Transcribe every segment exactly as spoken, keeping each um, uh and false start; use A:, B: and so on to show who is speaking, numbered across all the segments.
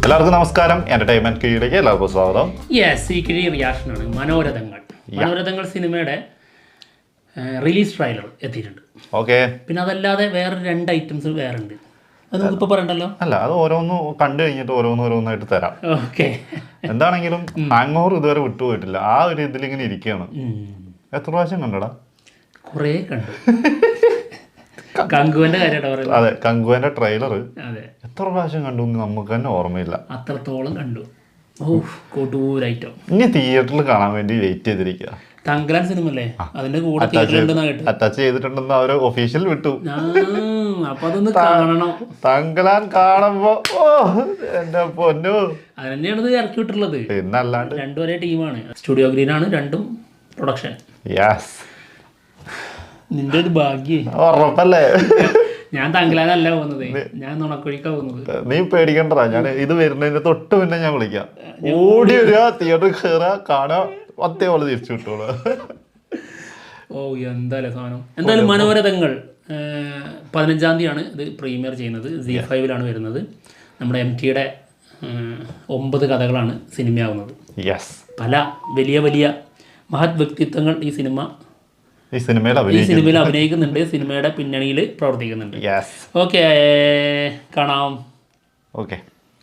A: എല്ലാവർക്കും നമസ്കാരം. എന്റർടൈൻമെന്റ് കീഴിലേക്ക് എല്ലാവർക്കും സ്വാഗതം.
B: യെസ്, ഈ കിഴി റിയാക്ഷനാണ്. മനോരഥങ്ങൾ മനോരഥങ്ങൾ സിനിമയുടെ റിലീസ് ട്രailer എത്തിയിട്ടുണ്ട്.
A: ഓക്കെ. പിന്നെ
B: അതല്ലാതെ വേറെ രണ്ട് ഐറ്റംസ് വേറെ ഉണ്ട്. അത് നമുക്കിപ്പോൾ പറയണ്ടല്ലോ.
A: അല്ല, അത് ഓരോന്ന് കണ്ടു കഴിഞ്ഞിട്ട് ഓരോന്ന് ഓരോന്നായിട്ട് തരാം.
B: ഓക്കെ.
A: എന്താണെങ്കിലും ഹാങ് ഓവർ ഇതുവരെ വിട്ടുപോയിട്ടില്ല. ആ ഒരു ഇതിലിങ്ങനെ ഇരിക്കുകയാണ്. എത്ര പ്രാവശ്യം കണ്ടടാ?
B: കുറേ കണ്ടു. കങ്കുവിന്റെ കാര്യമായിട്ട് പറയുന്നത്.
A: അതെ, കങ്കുവിന്റെ ട്രെയിലർ
B: അതെ
A: എത്ര പ്രാവശ്യം കണ്ടു നമുക്ക് തന്നെ ഓർമ്മയില്ല.
B: അത്രത്തോളം കണ്ടു. ഓ, കൊടൂരൈറ്റം.
A: ഇനി തിയേറ്ററിൽ കാണാൻ വേണ്ടി വെയിറ്റ് ചെയ്തിരിക്കുക.
B: തങ്കലാൻ സിനിമ അല്ലേ, അതിന്റെ കൂടെ തിയേറ്ററിലുണ്ടെന്നാ കേട്ടു.
A: അറ്റാച്ച് ചെയ്തിട്ടുണ്ടെന്ന് അവര് ഒഫീഷ്യൽ വിട്ടു.
B: അപ്പൊ അതൊന്ന് കാണണം.
A: തങ്കലാൻ കാണുമ്പോ ഓ എന്റെ പൊന്നു,
B: അത് തന്നെയാണ് ഇത് ഇറക്കി വിട്ടുള്ളത്.
A: പിന്നല്ലാണ്ട്
B: രണ്ടും ഒരേ ടീമാണ്. സ്റ്റുഡിയോ ഗ്രീൻ ആണ് രണ്ടും പ്രൊഡക്ഷൻ.
A: യെസ്,
B: നിന്റെ ഒരു ഭാഗ്യേ.
A: ഉറപ്പല്ലേ?
B: ഞാൻ തങ്കലാനല്ല പോകുന്നത്, ഞാൻ നുണക്കുഴിക്കാ പോകുന്നത്.
A: നീ പേടിക്കണ്ടടാ, ഞാൻ ഇത് വരുന്നതിന്റെ തൊട്ട് പിന്നെ ഞാൻ വിളിക്കാം. ഓടി വരിക, തിയേറ്ററിൽ കയറുക, കാണുക, ഒത്തേ പോലെ തിരിച്ചു വിട്ടോളൂ.
B: ഓ എന്തായാലും സാധനം. എന്തായാലും മനോരഥങ്ങൾ പതിനഞ്ചാം തീയതിയാണ് ഇത് പ്രീമിയർ ചെയ്യുന്നത്. സി ഫൈവിലാണ് വരുന്നത്. നമ്മുടെ എം ടിയുടെ ഒമ്പത് കഥകളാണ് സിനിമയാവുന്നത്.
A: യെസ്,
B: പല വലിയ വലിയ മഹത് വ്യക്തിത്വങ്ങൾ ഈ സിനിമ
A: ഈ സിനിമയിൽ
B: ഈ സിനിമയിൽ അഭിനയിക്കുന്നുണ്ട്, സിനിമയുടെ പിന്നണിയിൽ പ്രവർത്തിക്കുന്നുണ്ട്. ഓക്കെ, കാണാം.
A: ഓക്കെ.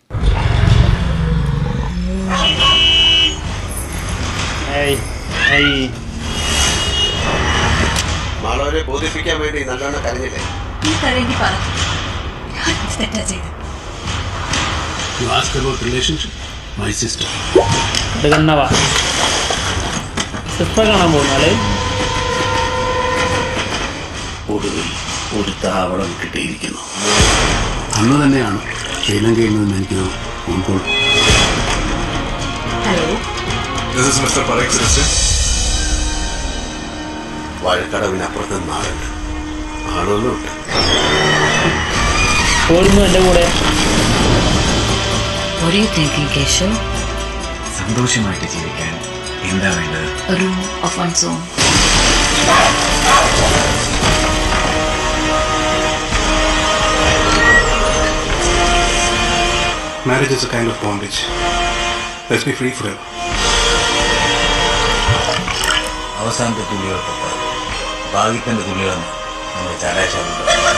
C: മാളവരെ ബോധിപ്പിക്കാൻ വേണ്ടി നല്ലോണം കരഞ്ഞില്ലേ?
B: സിസ്റ്റർ കാണാൻ പോകുന്നാലേ
C: ഒടുവിൽ ഒരു താവളം കിട്ടിയിരിക്കുന്നു.
D: അന്ന് തന്നെയാണ് ശ്രീലങ്കയിൽ നിന്ന് എനിക്ക് ഫോൺ.
C: വാഴക്കടവിനപ്പുറത്ത് നാളുണ്ട്, ആളുകളുണ്ട്.
B: എന്റെ കൂടെ
D: സന്തോഷമായിട്ട് ജീവിക്കാൻ എന്താ വേണ്ടത്?
E: ഒരു of one's own.
D: Marriage is a kind of bondage. Let's be free forever.
F: അവസാനത്തെ തുള്ളികൾക്കൊപ്പം ഭാഗ്യത്തിൻ്റെ തുള്ളികളാണ് നമ്മുടെ ചാരാശാല.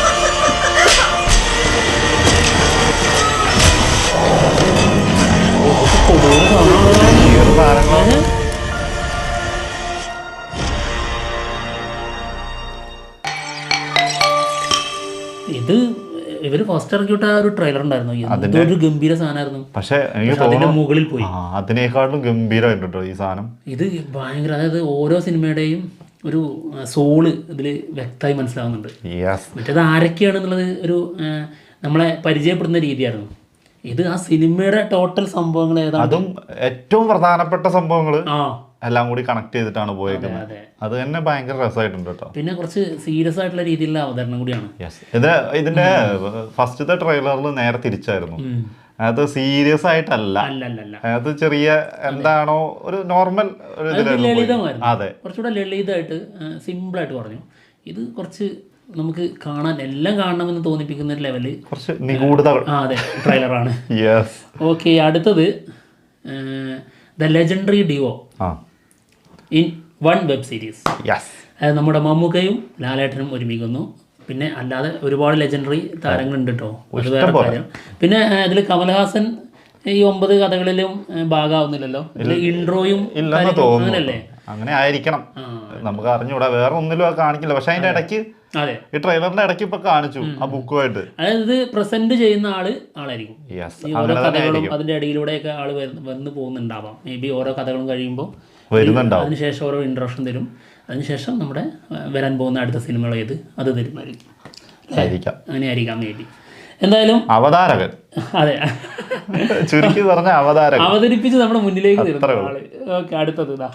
B: ഇത് ഇവര് ഫസ്റ്റ് ഇറക്കി വിട്ട ഒരു ട്രെയിലർ ഉണ്ടായിരുന്നു, എന്തൊരു ഗംഭീര സാധനമായിരുന്നു.
A: പക്ഷെ
B: അതിന്റെ മുകളിൽ പോയി
A: അതിനേക്കാളും ഗംഭീരമായിട്ടുണ്ടോ ഈ സാധനം.
B: ഇത് ഭയങ്കര, അതായത് ഓരോ സിനിമയുടെയും ഒരു സോള് ഇതിൽ വ്യക്തമായി മനസ്സിലാവുന്നുണ്ട്. മറ്റേത് ആരൊക്കെയാണെന്നുള്ളത് ഒരു നമ്മളെ പരിചയപ്പെടുന്ന രീതിയായിരുന്നു. ഇത് ആ സിനിമയുടെ ടോട്ടൽ സംഭവങ്ങൾ ഏതാണ്, അതും
A: ഏറ്റവും പ്രധാനപ്പെട്ട സംഭവങ്ങൾ എല്ലാം കൂടി കണക്ട് ചെയ്തിട്ടാണ് പോയേക്കുന്നത്. അത് തന്നെ ഭയങ്കര രസമായിട്ടുണ്ട് കേട്ടോ.
B: പിന്നെ കുറച്ച് സീരിയസ് ആയിട്ടുള്ള രീതിയിലുള്ള അവതരണം കൂടിയാണ്.
A: ഇത് ഇതിന്റെ ഫസ്റ്റത്തെ ട്രെയിലറിൽ നേരെ തിരിച്ചായിരുന്നു. അത് സീരിയസ് ആയിട്ടല്ല, അത് ചെറിയ എന്താണോ ഒരു നോർമൽ
B: ലളിതമായിരുന്നു. അതെ, കുറച്ചുകൂടെ ലളിതമായിട്ട് സിമ്പിളായിട്ട് പറഞ്ഞു. ഇത് കുറച്ച് നമുക്ക് കാണാൻ എല്ലാം കാണണമെന്ന് തോന്നിപ്പിക്കുന്ന ഒരു ലെവല്,
A: കുറച്ച് നിഗൂഢത.
B: ആ അതെ, ട്രെയിലറാണ്. ഓക്കെ, അടുത്തത് ദ ലെജൻഡറി ഡിവോ ഇൻ വൺ വെബ് സീരീസ്. അതായത് നമ്മുടെ മമ്മൂക്കയും ലാലേട്ടനും ഒരുമിക്കുന്നു. പിന്നെ അല്ലാതെ ഒരുപാട് ലെജൻഡറി താരങ്ങളുണ്ട് കേട്ടോ, അത് വേറെ കാര്യം. പിന്നെ ഇതിൽ കമൽഹാസൻ ഈ ഒമ്പത് കഥകളിലും ഭാഗമാവുന്നില്ലല്ലോ. ഇൻട്രോയും അങ്ങനല്ലേ,
A: അങ്ങനെ ആയിരിക്കണം, നമുക്ക് അറിഞ്ഞൂടാ. വേറെ ഒന്നിലും കാണിക്കില്ല. പക്ഷെ അതിന്റെ ഇടയ്ക്ക്
B: അതെ,
A: ഈ ട്രെയിലറിന്റെ ഇടയ്ക്ക് ഇപ്പൊ കാണിച്ചു ആ ബുക്കുമായിട്ട്.
B: അതായത് പ്രസന്റ് ചെയ്യുന്ന ആള് ആളായിരിക്കും. ഈ ഓരോ കഥകളും അതിന്റെ ഇടയിലൂടെയൊക്കെ ആള് വന്ന് പോകുന്നുണ്ടാവാം. മേ ബി ഓരോ കഥകളും കഴിയുമ്പോൾ വരുന്നുണ്ടാവും. അതിനുശേഷം ഓരോ ഇൻട്രൊഡക്ഷൻ തരും. അതിനുശേഷം നമ്മുടെ വരാൻ പോകുന്ന അടുത്ത സിനിമകൾ ഏത് അത് തരുമായിരിക്കും. അങ്ങനെ ആയിരിക്കാം മേ ബി. എന്തായാലും
A: അവതാരകൻ,
B: അതെ,
A: ചുരുക്കി പറഞ്ഞ അവതാരകൻ
B: അവതരിപ്പിച്ച് നമ്മുടെ മുന്നിലേക്ക് തരുന്ന ആള്. ഓക്കെ, അടുത്തത് ഇതാ.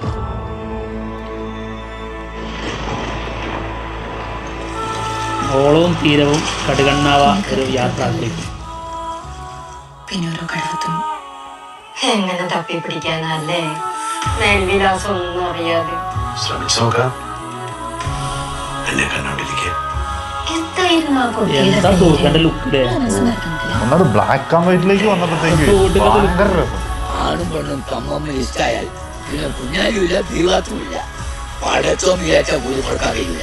B: ഓളവും തീരവും കടുകണ്ണാവ ഒരു യാത്രയിലേക്ക്.
E: പിന്നെ ഓരോ കടവത്തും എങ്ങനെ തപ്പി പിടിക്കാനല്ലേ, മേൽവിലാസം ഒന്നും അറിയാതെ
C: ശ്രമിച്ചു നോക്കാം. എന്നെ കണ്ടോണ്ടിരിക്കുക.
E: എന്താ എന്തായിരുന്നു ആ
B: എന്താ
E: കുട്ടിയുടെ
B: തോക്കന്റെ ലുക്കില്ലേ?
A: ഒന്നത് ബ്ലാക്ക് ആൻഡ് വൈറ്റിലേക്ക് വന്നപ്പോഴത്തേക്ക് ഭയങ്കര രസം.
G: ആണും പെണ്ണും തമ്മമ്മ ഇഷ്ടായാൽ പിന്നെ കുഞ്ഞാലുമില്ല തീവാത്തുമില്ല. പടച്ചോ വിചാരിച്ച പോലും കൊടുക്കാറില്ല.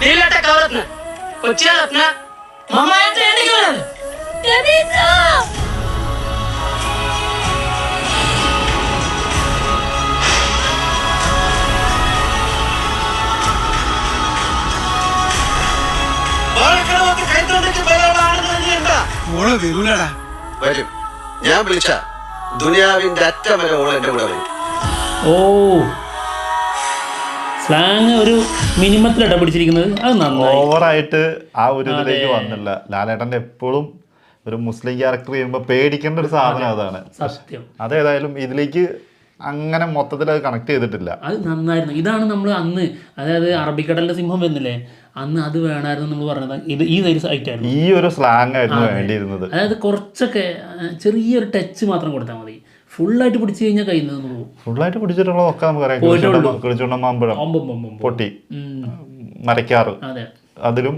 C: വരും. ഞാൻ വിളിച്ച ദുനിയാവിന്റെ അറ്റം വരെ ഓൾ എന്റെ കൂടെ വരും.
B: ഓ സ്ലാങ് ഒരു മിനിമത്തിലിട പിടിച്ചിരിക്കുന്നത് അത് നന്നായി.
A: ഓവറായിട്ട് ആ ഒരു ഇതിലേക്ക് വന്നില്ല. ലാലേട്ടന്റെ എപ്പോഴും ഒരു മുസ്ലിം ക്യാരക്ടർ ചെയ്യുമ്പോൾ പേടിക്കേണ്ട ഒരു സാധനം അതാണ്.
B: സത്യം.
A: അതേതായാലും ഇതിലേക്ക് അങ്ങനെ മൊത്തത്തിൽ അത് കണക്ട് ചെയ്തിട്ടില്ല.
B: അത് നന്നായിരുന്നു. ഇതാണ് നമ്മൾ അന്ന്, അതായത് അറബിക്കടലിന്റെ സിംഹം വരുന്നില്ലേ, അന്ന് അത് വേണമായിരുന്നു നമ്മൾ പറഞ്ഞത്. ഇത് ഈ ഒരു ഐറ്റായിരുന്നു,
A: ഈ ഒരു സ്ലാങ് ആയിരുന്നു വേണ്ടിയിരുന്നത്.
B: അതായത് കുറച്ചൊക്കെ ചെറിയൊരു ടച്ച് മാത്രം കൊടുത്താൽ മതി. ഫുള്ളായിട്ട് പിടിച്ചു കഴിഞ്ഞാൽ കയ്യിൽ നിന്ന് പോകും.
A: ഫുള്ളായിട്ട് പിടിച്ചിട്ടുള്ളതൊക്കെ നമുക്കറിയാം. കിളിച്ചുണ്ടമാമ്പഴം, പൊട്ടി, മരക്കാറ്, അതിലും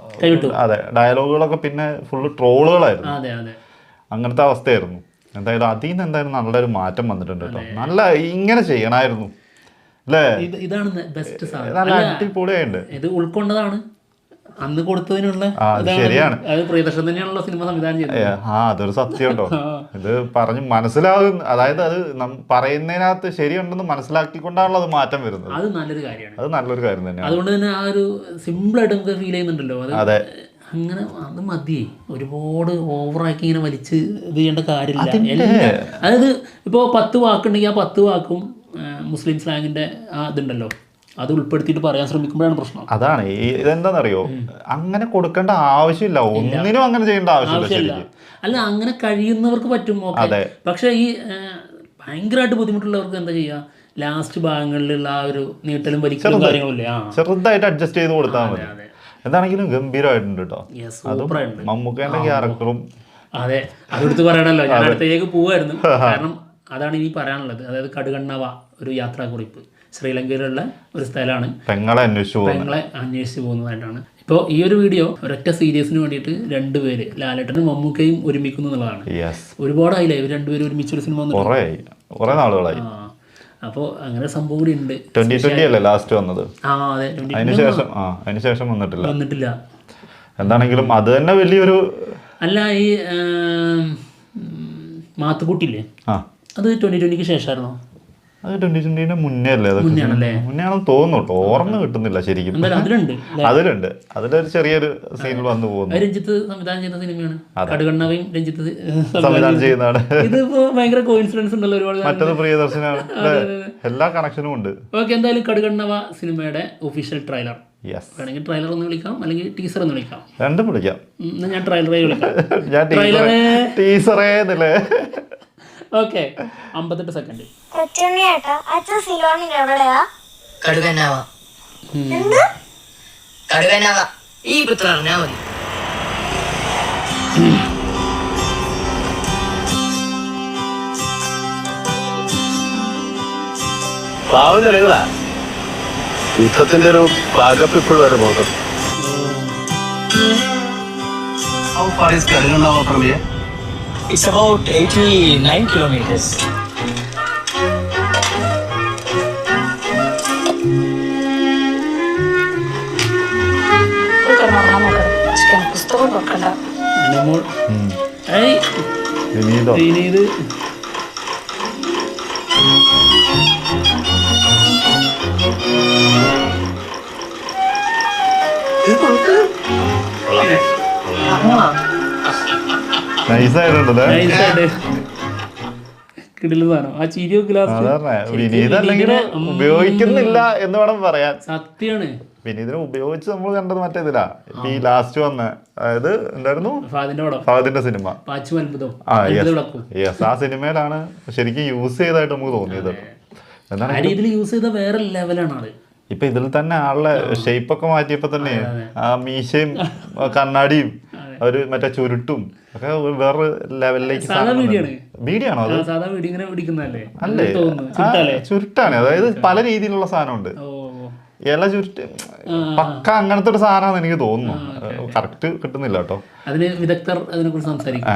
A: അതെ ഡയലോഗുകളൊക്കെ പിന്നെ ഫുള്ള് ട്രോളുകളായിരുന്നു.
B: അതെ അതെ
A: അങ്ങനത്തെ അവസ്ഥയായിരുന്നു. എന്തായാലും അതിൽ നിന്ന് എന്തായാലും നല്ലൊരു മാറ്റം വന്നിട്ടുണ്ട് കേട്ടോ. നല്ല ഇങ്ങനെ ചെയ്യണമായിരുന്നു അല്ലേ?
B: ഇതാണ് ബെസ്റ്റ് സാധനം.
A: നല്ല അടിപൊളിയായിട്ടുണ്ട്.
B: ഇത് ഉൾക്കൊണ്ടതാണ് അന്ന് കൊടുത്തതിനുള്ള.
A: ശരിയാണ്,
B: അത് പ്രിയദർശൻ തന്നെയാണല്ലോ സിനിമ സംവിധാനം ചെയ്തത്.
A: ആ അതൊരു സത്യം കേട്ടോ. ഇത് പറഞ്ഞ് മനസ്സിലാകും, അതായത് അത് പറയുന്നതിനകത്ത് ശരിയുണ്ടെന്ന് മനസ്സിലാക്കിക്കൊണ്ടാണല്ലോ അത് മാറ്റം വരുന്നത്.
B: അത് നല്ലൊരു കാര്യമാണ്.
A: അത് നല്ലൊരു കാര്യം തന്നെയാണ്.
B: അതുകൊണ്ട് തന്നെ ആ ഒരു സിമ്പിളായിട്ട് നമുക്ക് ഫീൽ ചെയ്യുന്നുണ്ടല്ലോ. അത്
A: അതെ,
B: അങ്ങനെ അത് മതിയേ. ഒരുപാട് ഓവറാക്കി ഇങ്ങനെ വലിച്ച് ഇത് ചെയ്യേണ്ട കാര്യമില്ല. അതായത് ഇപ്പോൾ പത്ത് വാക്കുണ്ടെങ്കിൽ ആ പത്ത് വാക്കും മുസ്ലിം സ്ലാങ്ങിന്റെ ആ ഇതുണ്ടല്ലോ, അത് ഉൾപ്പെടുത്തിയിട്ട് പറയാൻ ശ്രമിക്കുമ്പോഴാണ് പ്രശ്നം.
A: അതാണ് ഈ ഇതെന്താണെന്നറിയോ, അങ്ങനെ കൊടുക്കേണ്ട ആവശ്യമില്ല, ഒന്നിനും അങ്ങനെ ചെയ്യേണ്ട ആവശ്യമില്ല.
B: അല്ല അങ്ങനെ കഴിയുന്നവർക്ക് പറ്റും, ഓക്കെ. പക്ഷെ ഈ ഭയങ്കരമായിട്ട് ബുദ്ധിമുട്ടുള്ളവർക്ക് എന്താ ചെയ്യുക, ലാസ്റ്റ് ഭാഗങ്ങളിലുള്ള ആ ഒരു നീട്ടലും വലിക്കലും കാര്യങ്ങളില്ലേ,
A: ചെറുതായിട്ട് അഡ്ജസ്റ്റ് ചെയ്ത് കൊടുത്താൽ മതി. എന്താണെങ്കിലും ഗംഭീരമായിട്ടുണ്ട് കേട്ടോ. അതും മമ്മൂക്കേന്റെ ക്യാരക്ടറും.
B: അതെ, അതെടുത്ത് പറയണല്ലോ. ഞാൻ അടുത്തേക്ക് പോവായിരുന്നു, കാരണം അതാണ് ഇനി പറയാനുള്ളത്. അതായത് കടുകണ്ണവ ഒരു യാത്രാക്കുറിപ്പ്, ശ്രീലങ്കയിലുള്ള ഒരു സ്ഥലമാണ്.
A: പെങ്ങളെ അന്വേഷിച്ചു
B: പെങ്ങളെ അന്വേഷിച്ച് പോകുന്നതായിട്ടാണ്. ഇപ്പോൾ ഈ ഒരു വീഡിയോ ഒരൊറ്റ സീരീസിന് വേണ്ടിയിട്ട് രണ്ടുപേര് ലാലേട്ടനും മമ്മൂക്കയും ഒരുമിക്കുന്നു എന്നുള്ളതാണ്. ഒരുപാടായില്ലേ ഇവർ രണ്ടുപേരും ഒരുമിച്ചൊരു സിനിമ
A: കുറെ നാളുകളായി.
B: അപ്പോൾ അങ്ങനെ സംഭവം കൂടി ഉണ്ട്.
A: ട്വന്റി ട്വന്റി അല്ലേ ലാസ്റ്റ് വന്നത്?
B: ആ അതെ,
A: അതിനുശേഷം ആ അതിനുശേഷം വന്നിട്ടില്ല
B: വന്നിട്ടില്ല
A: എന്താണെങ്കിലും അത് തന്നെ വലിയൊരു.
B: അല്ല ഈ മാത്തുക്കുട്ടിയില്ലേ, അത് ട്വന്റി ട്വന്റിക്ക് ശേഷമായിരുന്നോ?
A: അത് ട്വന്റി ട്വന്റിന്റെ മുന്നേ അല്ലേ? മുന്നേ ആണെന്ന് തോന്നുന്നു കേട്ടോ, ഓർമ്മ കിട്ടുന്നില്ല ശരിക്കും.
B: അതിലുണ്ട്
A: അതിലുണ്ട് അതിലൊരു ചെറിയൊരു സീനിൽ വന്നു പോകുന്നു.
B: രഞ്ജിത്ത് സംവിധാനം ചെയ്യുന്ന സിനിമയാണ്. കടുകണ്ണവയും രഞ്ജിത്ത്
A: സംവിധാനം ചെയ്യുന്നതാണ്.
B: ഇതിപ്പോ ഭയങ്കര കോയിൻസിഡൻസ് ഉണ്ടല്ലോ ഒരുപാട്.
A: മറ്റത് പ്രിയദർശനാണ്, എല്ലാ കണക്ഷനും ഉണ്ട്.
B: ഓക്കെ, എന്തായാലും കടുകണ്ണവ സിനിമയുടെ ഒഫീഷ്യൽ ട്രെയിലർ വേണമെങ്കിൽ ട്രെയിലർ ഒന്ന് വിളിക്കാം, അല്ലെങ്കിൽ ടീസർ എന്ന് വിളിക്കാം.
A: രണ്ടും വിളിക്കാം.
B: ഞാൻ ട്രെയിലറേ വിളിക്കാം.
A: ടീസറേ
B: ഓക്കെ, അമ്പത്തെട്ട് സെക്കൻഡ്.
G: കടുകന്നാവ കടുകന്നാവ ഈ പുത്ര അറിഞ്ഞാ മതി.
C: യുദ്ധത്തിന്റെ ഒരു പാകപ്പിപ്പോൾ വരെ പോകും.
G: It's about eighty-nine kilometers.
E: പുസ്തകം നോക്കണ്ട.
B: വിനീത്
A: വിനീത് അല്ലെങ്കിൽ ഉപയോഗിക്കുന്നില്ല എന്ന് വേണം പറയാൻ.
B: സത്യാണ്,
A: വിനീതിനെ ഉപയോഗിച്ച് നമ്മൾ കണ്ടത് മറ്റേതിലാ ഈ ലാസ്റ്റ് വന്ന, അതായത് എന്തായിരുന്നു ഫഹദിന്റെ സിനിമ യെസ്, ആ സിനിമയിലാണ് ശരിക്കും യൂസ് ചെയ്തതായിട്ട് നമുക്ക് തോന്നിയത്.
B: യൂസ് ചെയ്ത വേറെ ലെവലാണ് ആള്.
A: ഇപ്പൊ ഇതിൽ തന്നെ ആളുടെ ഷേപ്പ് ഒക്കെ മാറ്റിയപ്പോ തന്നെ ആ മീശയും കണ്ണാടിയും ഒരു മറ്റേ ചുരുട്ടും ഒക്കെ വേറെ ലെവലിലേക്ക്. വീഡിയോ ആണോ അത്? അല്ലേ, ചുരുട്ടാണ്. അതായത് പല രീതിയിലുള്ള സാധനമുണ്ട്. ഇല ചുരുട്ടി പക്ക അങ്ങനത്തെ ഒരു സാധനമാണെന്ന് എനിക്ക് തോന്നുന്നു. കറക്റ്റ് കിട്ടുന്നില്ല കേട്ടോ.
B: അതിന് വിദഗ്ധർ അതിനെ കുറിച്ച് സംസാരിക്കും.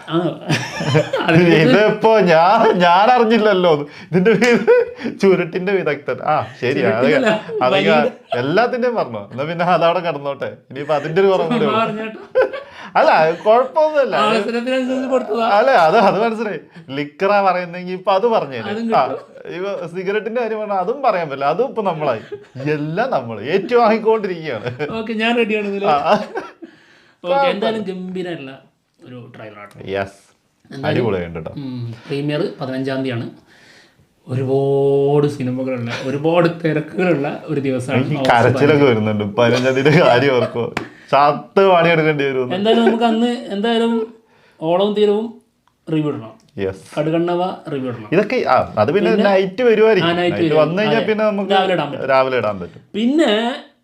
A: ഇതിപ്പോ ഞാൻ ഞാൻ അറിഞ്ഞില്ലല്ലോ ഇതിന്റെ ചുരുട്ടിന്റെ വിദഗ്ധൻ. ആ ശരിയാ, അധികം എല്ലാത്തിന്റെയും പറഞ്ഞോ. എന്നാ പിന്നെ അതവിടെ കിടന്നോട്ടെ. ഇനിയിപ്പോ അതിന്റെ ഒരു കുറവ് കൂടെ. അല്ല കുഴപ്പമൊന്നുമില്ല. അല്ലെ അത് അത് മനസ്സിലായി. ലിക്കറാ പറയുന്നെങ്കിൽ ഇപ്പൊ അത് പറഞ്ഞേനെ. ആ ഇപ്പൊ സിഗരറ്റിന്റെ കാര്യം പറഞ്ഞാൽ അതും പറയാൻ പറ്റില്ല. അതും ഇപ്പൊ നമ്മളായി. എല്ലാം നമ്മൾ ഏറ്റുവാങ്ങിക്കൊണ്ടിരിക്കുകയാണ്.
B: ഞാൻ റെഡിയാണ്. എന്തായാലും ഗംഭീരമായിട്ടുള്ള ഒരു ട്രailer.
A: യെസ്, അടിപൊളിയുണ്ട് കേട്ടോ.
B: പ്രീമിയർ പതിനഞ്ചാം തീയതിയാണ്. ഒരുപാട് സിനിമകളുള്ള ഒരുപാട് തിരക്കുകളുള്ള ഒരു ദിവസമാണ്.
A: കരച്ചിലൊക്കെ വരുന്നുണ്ട് പതിനഞ്ചാം തീയതി കാര്യം ഓർക്കോ. ചത്ത് പണിയെടുക്കേണ്ടി വരും.
B: എന്തായാലും നമുക്ക് അന്ന് എന്തായാലും ഓളവും തീരവും റിവ്യൂ ഇടണം. കടുകണ്ണവ റിവ്യൂ ഇടണം.
A: ഇതൊക്കെ അത് പിന്നെ നൈറ്റ് വരുമായിരിക്കും. വന്നു കഴിഞ്ഞാൽ പിന്നെ നമുക്ക് രാവിലെ ഇടാൻ പറ്റും.
B: പിന്നെ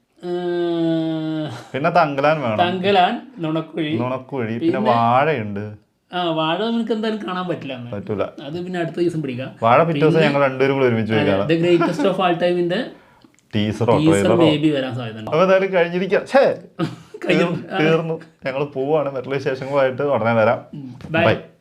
A: പിന്നെ തങ്കലാൻ വേണം.
B: തങ്കലാൻ, നുണക്കുഴി
A: നുണക്കുഴി പിന്നെ വാഴയുണ്ട്.
B: ആ വാഴ നമുക്ക് എന്തായാലും കാണാൻ പറ്റില്ല.
A: പറ്റൂല.
B: അത് പിന്നെ അടുത്ത ദിവസം പിടിക്കാം.
A: വാഴ പിറ്റേ ദിവസം ഞങ്ങൾ രണ്ടുപേരും കൂടെ ഒരുമിച്ച് വയ്ക്കാം.
B: ദ ഗ്രേറ്റസ്റ്റ് ഓഫ് ആൾ ടൈമിന്റെ
A: ടീസറോ
B: മേബി വരാൻ സാധ്യത.
A: അപ്പൊ എന്തായാലും കഴിഞ്ഞിരിക്കാം. തീർന്നു. ഞങ്ങൾ പോവാണ്. മറ്റുള്ള വിശേഷങ്ങളുമായിട്ട് ഉടനെ വരാം. ബൈ.